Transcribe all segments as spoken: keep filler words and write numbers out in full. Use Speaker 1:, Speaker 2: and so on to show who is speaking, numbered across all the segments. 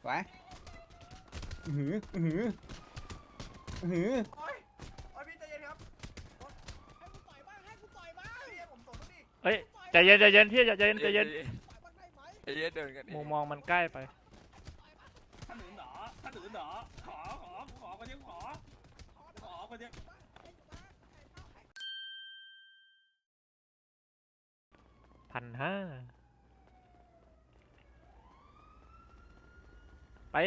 Speaker 1: ไปอือหืออือหืออือหือ
Speaker 2: โอ้ยโอ้ยพี่ใจเย็นครับให้กูต่อยบ้างให้กูต่อยบ้างพี่ผมตบแล้วดิ
Speaker 3: เฮ้ยใจเย็นใจเย็นพี่ใจเย็นใจเย็น
Speaker 4: ใจเย็นเดินกัน
Speaker 3: มุมมองมันใกล้ไป
Speaker 5: ถ้าหนูหนอถ้าหนูหนอขอขอขอคนเดียวขอขอคนเดียว
Speaker 3: พันห้าไป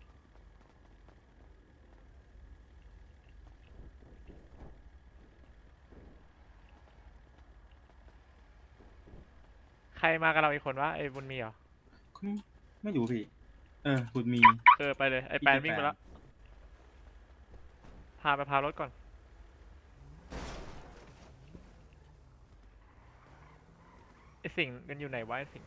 Speaker 3: ใครมากับเราอีกคนวะไอ้บุญมีเหรอ
Speaker 5: ไม่รู้พี่เออคุณมี
Speaker 3: เออไปเลยไอ้แปนวิ่งไปแล้วพาไปพารถก่อนไอ้สิ่งกันอยู่ไหนวะไอ้สิ่ง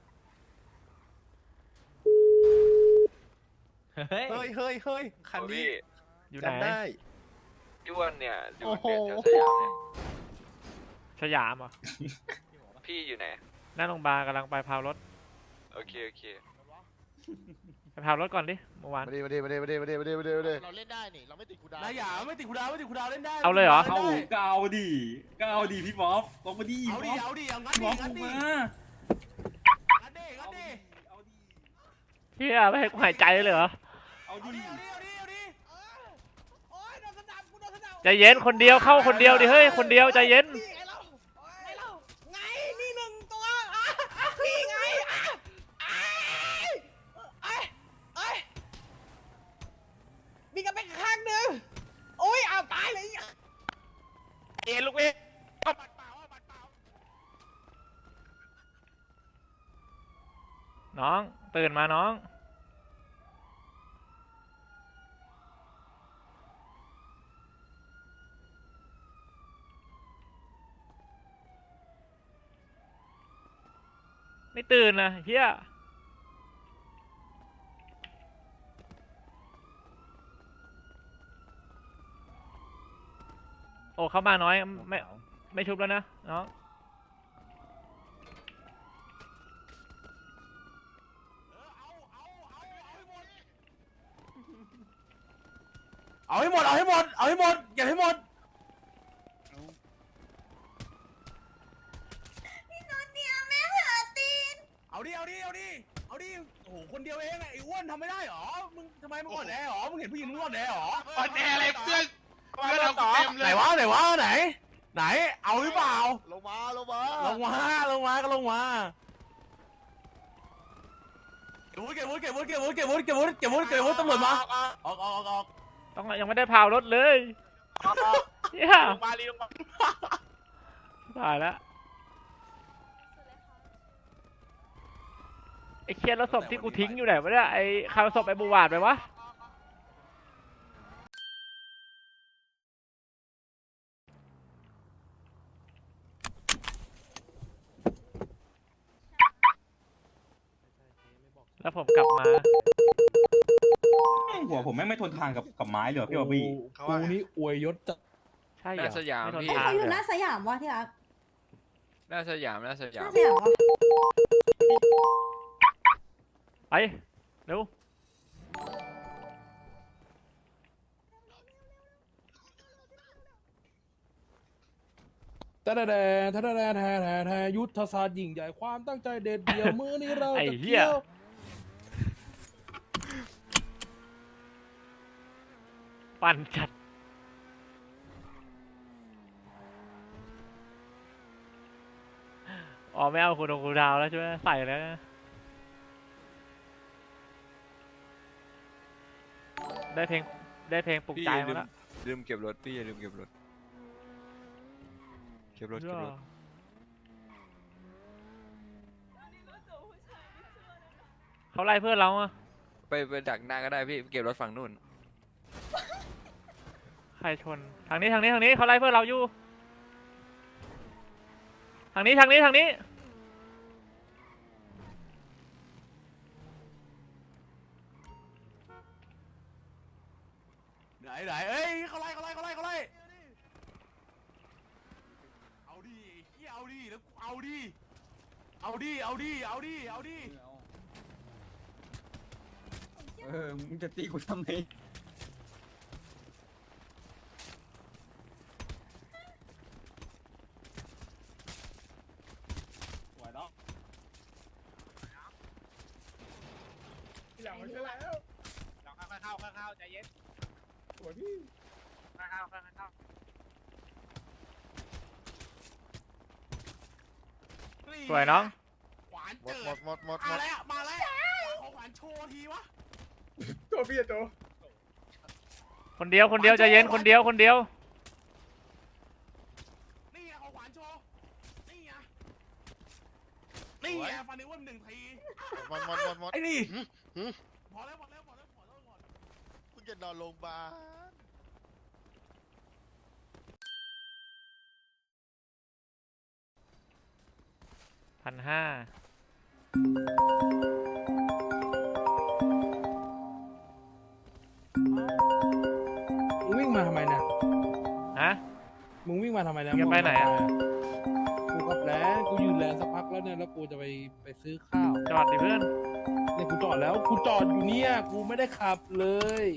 Speaker 1: เฮ้ยเฮ้ยเฮ้ยคันนี้
Speaker 3: อยู่ไหน
Speaker 1: จำได้
Speaker 4: พี่วันเนี่ยอยู่เปลี่ยนแถวสยามเนี่ย
Speaker 3: สยามเหรอ
Speaker 4: พี่อยู่ไหน
Speaker 3: หน้าโรงพยาบาลกำลังไปพารถ
Speaker 4: โอเคโอเค
Speaker 3: ไปพารถก่อนดิเมื่อวาน
Speaker 1: มาดิมาดิมาดิมาดิมาดิมาดิมาดิมาดิ
Speaker 6: เราเล่นได้นี่เราไม่ติดกูดาว
Speaker 5: นายหยาไม่ติดคูดาวไม่ติดคูดาวเล่นได้
Speaker 3: เอาเลยเหรอ
Speaker 5: เอาก็เอาดิก็เอาดิพี่บ๊อบลงมาดิเอาดิเอาดิเอางั้นดิงั้นดิงั้นดิงั้นดิเอาดิ
Speaker 3: เฮียไม่ให้กูหายใจเลยเหรอ
Speaker 5: เอาดิเอาดิเอาดิเอาดิ
Speaker 2: โอ้ยโดนสนับกูโดนสนับ
Speaker 3: ใจเย็นคนเดียวเข้าคนเดียวดิเฮ้ยคนเดียวใจเย็น
Speaker 2: นี่ไงเราไงเราไงนี่หนึ่งตัวอ่ะนี่ไงอ่ะไอ้ไอ้ไอ้มีกันไปข้างหนึ่งโอ้ยเอาตายเลย
Speaker 3: เอ็นลูกเอ็น
Speaker 5: บัตรเปล่าบัตรเปล่า
Speaker 3: น้องตื่นมาน้องไม่ตื่นนะเฮียโอ้เข้ามาน้อยไม่ไม่ชุบแล้วนะน้อง
Speaker 5: เอาให้หมดเอาให้หมดเอาให้หมดเก็บให้หมด
Speaker 2: พี่นนท์เนี่ยแม่เผลอตีน
Speaker 5: เอาดิเอาดิเอาดิเอาดิโอ้โหคนเดียวเองไอ้อ้วนทำไม่ได้หรอมึงทำไมมึงอ่อนแอหรอมึงเห็นผู้หญิงมึงอ่อนแอหรอ
Speaker 6: อ่อนแออะไรเพื่อนเพื่อนเราเต็มเล
Speaker 5: ไหน
Speaker 6: ยว
Speaker 5: ะไหนวะไหน ไหนเอาหรือเปล่า
Speaker 6: ลงมาลงมา
Speaker 5: ลงมาลงมาก็ลงมาเก็บวุ้เก็บวุ้เก็บวุ้เก็บวุ้เก็บวุ้เก็บวุ้เก็บวุ้เก็บวุ้ตำรวจมาออกออกออกออก
Speaker 3: ต้องยังไม่ได้พาวรถเลยเฮีย
Speaker 6: ลงมาลีลงมา
Speaker 3: ตายแล้วไอ้เคียนแล้วศพที่กูทิ้งอยู่ไหนวะเนี่ยไอ้ใครเอาศพไอ้บูวาดไปวะแล้วผมกลับมา
Speaker 5: หัวผมแม่งไม่ทนทานกับกับไม้เลยพี่บอบบี้
Speaker 6: กูนี่อวยยศจะ
Speaker 3: ใช่เหร
Speaker 4: หน้า
Speaker 3: อ
Speaker 4: สยาม
Speaker 3: ไม่ทน
Speaker 4: พี่
Speaker 3: ทาน
Speaker 7: เขาอ
Speaker 3: เล
Speaker 7: ยู่
Speaker 3: ย
Speaker 7: หน้าสยามวะที่รัก
Speaker 4: หน้าสยามหน้าส
Speaker 7: ห
Speaker 4: ยาม
Speaker 7: น้าสยามวะ
Speaker 3: ไปเร็ว
Speaker 8: แต่แต่แต่แต่แต่แต่แต่ยุทธศาสตร์ยิ่งใหญ่ความตั้งใจเด็ดเดี่ยวมือนี้เรา
Speaker 3: ไอ้
Speaker 8: จะ
Speaker 3: เหี้ย
Speaker 8: เที่ยว
Speaker 3: ปั่นจัดอ๋อไม่เอาคุณดงคุณดาวแล้วใช่ไหมใส่แล้วนะได้เพลงได้เพลงปลุก
Speaker 4: พี่
Speaker 3: ใจ
Speaker 4: อย่าลื
Speaker 3: มาม แล้ว
Speaker 4: ลืมเก็บรถพี่อย่าลืมเก็บรถเก็บรถเก็บรถ
Speaker 3: เขาไล่เพื่อนเราอะ
Speaker 4: ไปไปดักหน้าก็ได้พี่เก็บรถฝั่งนู่น
Speaker 3: ใครชนทางนี้ทางนี้ทางนี้เขาไล่เพื่อนเราอยู่ทางนี้ทางนี้ทางนี้
Speaker 5: ไหนไหนเอ้ยเขาไล่เขาไล่เขาไล่เขาไล่เอาดิเฮียเอาดิแล้วเอาดิเอาดิเอาดิเอาดิเอาดิ
Speaker 1: เออมึงจะตีกูทำไมสวยเนาะที่หลังมันช่วยแล้ว
Speaker 2: ลองเข้าเข้าเข้าเข้าใจเย็น
Speaker 1: สวยพี่
Speaker 2: เข้าเข้าเข้าเข้า
Speaker 3: สวยน้อง
Speaker 2: ขวาน
Speaker 6: หม
Speaker 2: เจิ
Speaker 6: ดหม
Speaker 2: ด
Speaker 6: ดหมดหมดหม
Speaker 2: มา
Speaker 6: ด
Speaker 2: แล้วมาแล้วขอขวานโชว์ทีวะ
Speaker 1: ตัวพี่อะตัว
Speaker 3: คนเดียวคนเดียวใจเย็นคนเดียวคนเดียว
Speaker 2: นี่ไงขอขวานโชว์นี่ไงนี่ไงฟันนิ้วหนึ่งที
Speaker 6: หมดหมดหมดหมด
Speaker 2: ไอ้นี่
Speaker 6: หึหึ
Speaker 2: พอแล้วพอแล้วพอแล้วพอแล้วพอแล้ว
Speaker 6: คุณจะนอนโรงพยาบาล
Speaker 3: พันห้า
Speaker 8: มึงวิ่งมาทำไมเนี่ย
Speaker 3: ฮะ
Speaker 8: มึงวิ่งมาทำไมเนี่ย
Speaker 3: มึงจะไปไหนอะ
Speaker 8: กูกับแลนกูยืนแลนสักพักแล้วเนี่ยแล้วกูจะไปไปซื้อข้าว
Speaker 3: จอดดิเพื่อน
Speaker 8: เนี่ยกูจอดแล้วกูจอดอยู่เนี่ยกูไม่ได้ขับเลย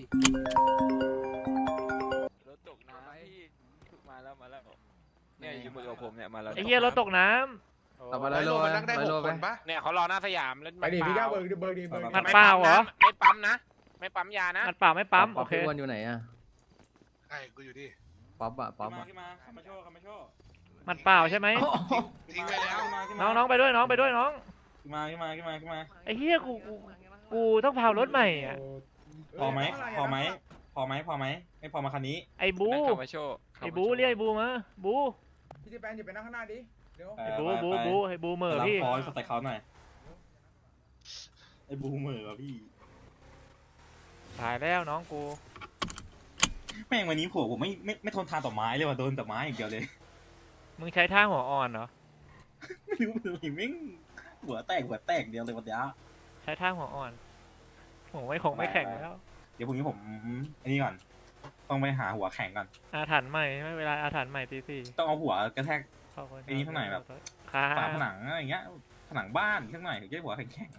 Speaker 4: รถตกน้ำพี่มาแล้วมาแล้วเนี่ยอยู่มือกับผมเนี่ยมาแล้ว
Speaker 3: ไอ้เหี้ยรถตกน้
Speaker 7: เอามาเลยโลมันนั่งได้หกคนปะ
Speaker 2: เนี่ยเขารอหน้าสยามแล้ว
Speaker 1: ไปดิพี่ก้าวเบิร์ดเบิร์ดดิเบิร์ด
Speaker 3: ำมันเปล่าเหรอ
Speaker 2: ไม่ปั๊มนะ ไม่ปั๊มยานะ
Speaker 3: มันเปล่าไม่ปั๊มโอเค
Speaker 7: พี่อ้วนอยู่ไหนอะ
Speaker 6: ไอ้กูอยู่ดิ
Speaker 7: ป๊อปอะป๊อป
Speaker 5: มา
Speaker 7: อะ
Speaker 5: ขึ้นมาขับมาโชว์ขับมาโชว์
Speaker 3: มันเปล่าใช่ไหม
Speaker 6: ทิ้งไปแล้ว
Speaker 3: น้องน้องไปด้วยน้องไปด้วยน้อง
Speaker 5: ขึ้นมาขึ้นมาขึ้นมาขึ้นมา
Speaker 3: ไอ้เหี้ยกูกูกูต้องพารถใหม่อ่ะ
Speaker 5: พอไหมพอไหมพอไหมพอไหมไม่พอมาคันนี้
Speaker 3: ไอ้บู
Speaker 4: นั่งขับมาโชว์
Speaker 3: ไอ้บูเรียกไอ้บูมาบู
Speaker 1: พี่ที่แปนอย่าไปนั่งข้างหน้าดิเดี๋ยว
Speaker 3: ไอ้บูบูบูไอ้บูเหม่อ
Speaker 5: รับ
Speaker 3: พี่
Speaker 5: คอใส่เขาหน่อยไอ้บูเหม่อวะพี่
Speaker 3: ตายแล้วน้องกู
Speaker 5: แม่งวันนี้ผัวผมไม่ไม่ไม่ทนทานต่อไม้เลยว่ะโดนแต่ไม้อย่างเดียวเลย
Speaker 3: มึงใช้ท่าหัวอ่อนเหรอ
Speaker 5: ไม่รู้เป็นอะไรแม่งหัวแตกหัวแตกเดียวเลยวันเนี้ย
Speaker 3: ใช้ท่าหัวอ่อนหัวไม่คงไม่แข็งแล้ว
Speaker 5: เดี๋ยวพรุ่งนี้ผมอันนี้ก่อนต้องไปหาหัวแข็งก่อน
Speaker 3: อาถรรพ์ใหม่ไม่เวลาอาถรรพ์ใหม่ตีสี่
Speaker 5: ต้องเอาหัวกระแทก
Speaker 3: เข้าคน
Speaker 5: ไอ้นี่เท่าไหร่แบบ
Speaker 3: ค่ะ
Speaker 5: ฝาผนังอะไรอย่างเงี้ยผนังบ้านข้างหน่อยถึงจะได้หัวแข็ง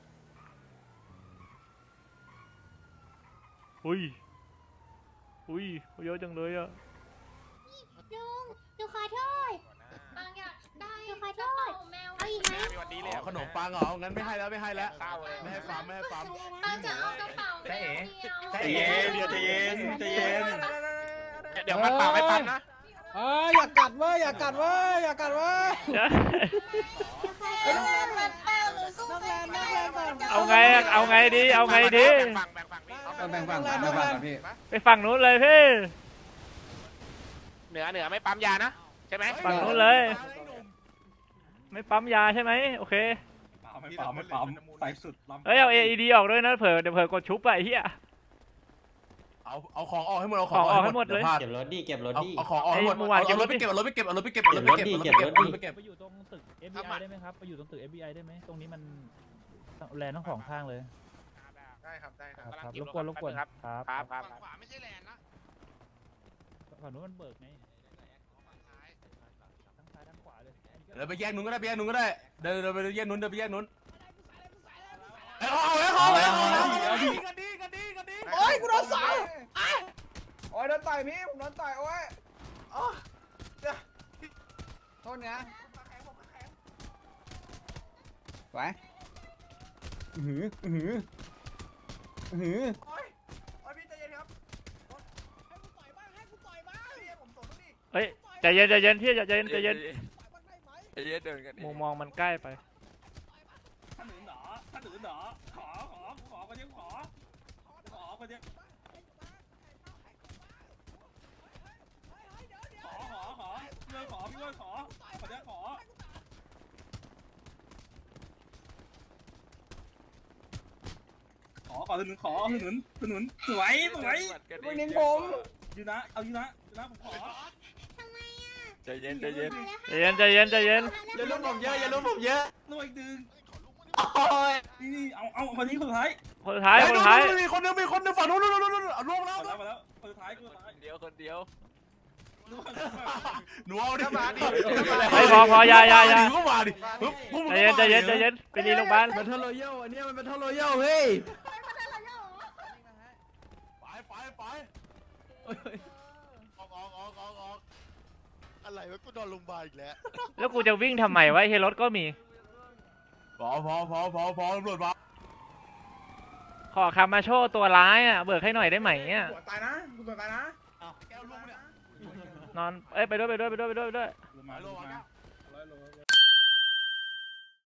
Speaker 3: อุ้ยอุ้ยเยอะจังเลยอ่ะ
Speaker 9: ลุงหนูขอโทษบางอย่างได้หนูขอโทษเอาอีกไหม
Speaker 2: วันนี้เลย
Speaker 8: ขนมปังเหรองั้นไม่ให้แล้วไม่ให้แล้ว
Speaker 2: เศร้าเลย
Speaker 8: ไม่ให้ฟาร์มไม่ให้ฟาร์ม
Speaker 9: บางจะเอากระเป๋าแมวเดียว
Speaker 5: ใจเย็นใจเย็นใจเย็น
Speaker 2: เดี๋ยวมันเปล่าไม่ปั๊มนะ
Speaker 1: เอ้ยอย่ากัดเว้ยอย่ากัดเว้ยอย่ากัดเว้ย
Speaker 9: เอ้ยมันเปล่าหนูสู้แฟนได้
Speaker 3: เอาไงอะเอาไงดีเอาไงดี
Speaker 2: แบ่งฝั่งแบ่งฝั่งพี่
Speaker 7: แบ่งฝั่งแบ่งฝั่งกันพี่
Speaker 3: ไปฝั่งนู้นเลยพี่
Speaker 2: เหนือเหนือไม่ปั๊มยานะใช่ไหม
Speaker 3: ฝั่งนู้นเลย ไม่ปั๊มยาใช่ไหมโอเค
Speaker 5: ไม่ปั๊มไม่ปั๊มใส่สุด
Speaker 3: เฮ้ยเอา เอ อี ดี ออกด้วยนะเผื่อเดี๋ยวเผื่อกดชุบไปไอ้เหี้ย
Speaker 8: เอาเอาของออกให้หมดเอา
Speaker 3: ของออกให้หมดเลย
Speaker 8: พา
Speaker 7: เก็บรถดิเก็บรถ
Speaker 8: เอา
Speaker 7: ดิ
Speaker 8: เอาของออกให้หมด
Speaker 3: ไอ้เมื่อวาน
Speaker 8: เอารถไป
Speaker 3: เก็
Speaker 8: เก็
Speaker 3: บบ รถ
Speaker 8: เอารถไปเก็บเอารถไปเก็บเอารถไปเก็บเอารถไปเก็บ
Speaker 7: เก็บรถดิ
Speaker 8: เอารถไปเก็บ
Speaker 10: ไปอยู่ตรงตึก เอฟ บี ไอ ได้ไหมครับ ไปอยู่ตรงตึก เอฟ บี ไอ ได้ไหม ตรงนี้มันแลนด์ทั้งสองข้างเลย
Speaker 6: ได้ครับได้ครับ
Speaker 10: ครับรบกวนรบกวนครับ
Speaker 2: ครับครับ
Speaker 6: ฝั่งขวาไม่ใช่แลนด์นะ
Speaker 10: ฝั่งนู้นมันเบิกไงทั้งซ้ายทั้งขวาเลย
Speaker 8: เดินไปแยกนู้นก็ได้ไปแยกนู้นก็ได้เดินเดินไปแยกนู้นเดินไปแยกนู้นเอ้ยเอาเอาเอาเอาเอาเอากันดีกันดีกันดี
Speaker 1: โอ้ยกูโดนสาวโอ้ยโดนต่อยพี่ผมโดนต่อยโอ้ยอ๋อโทษนะไหวอือหืออือหืออือหือโอ้ยโอ้ยพี่ใจเย็นครับให้กูต่อยบ้างให้กูต่อยบ้างพี่ผมต่อยบ้างดิ
Speaker 3: เฮ้ยใจเย็นใจเย็นพี่ใจเย็นใจเย็น
Speaker 5: ใจเย็นเดินกัน
Speaker 3: มุมมองมันใกล้ไป
Speaker 5: ถ้าหนูหนอถ้าหนูหนอขอขอขอคนเดียวขอขอคนเดียวขอขอขอพี่ว่าขอพี่ว่าขอคนเดียวขอขอขอถนนขอถนนถนนสวยสวย
Speaker 1: ไม่เน้นผม
Speaker 5: ยูนะเอายูนะยูนะผมขอ
Speaker 4: ใจเย็นใจเย็น
Speaker 3: ใจเย็นใจเย็นใจเย็น
Speaker 7: อย่าลุ้มผมเยอะอย่าลุ้มผมเยอะ
Speaker 5: หน่วยดึงนี่เอาเอาคนนี้คนสุดท้าย
Speaker 3: คนสุดท้ายคนสุดท้าย
Speaker 8: มีคนนึงมีคนนึงฝั่งนู้นนู้นนู้นนู้นเอาลงแล้ว
Speaker 5: มาแล้วมาแล้วคนสุดท้ายคนสุดท้าย
Speaker 4: คนเดียวคนเดียว
Speaker 8: หนูเอาดิมาดิ
Speaker 3: เฮ้ยพอพออยาอยาอยา
Speaker 8: ก็มาดิ
Speaker 3: ใจเย็นใจเย็นใจเย็นไปรีโรงพยาบาล
Speaker 7: แบทเทิลรอยัลอันนี้มันแบทเทิลรอยัลเฮ้ย
Speaker 6: ออกออกออกออกออกอะไรวะกูนอนโรงพยาบาลอีกแล้ว
Speaker 3: แล้วกูจะวิ่งทำไมวะเฮยรถก็มี
Speaker 8: พอพอพอพอพอตำรวจมา
Speaker 3: ขอคามาโชว์ตัวร้ายอ่ะเบิกให้หน่อยได้ไหมอ่ะ
Speaker 1: หัวตายนะกูตัวตายนะ
Speaker 8: แก้วลุงเนี่ย
Speaker 3: นอนเอ้ยไปด้วยไปด้วยไปด้วยไปด้วยไปด้วย
Speaker 5: ลงมาลงมา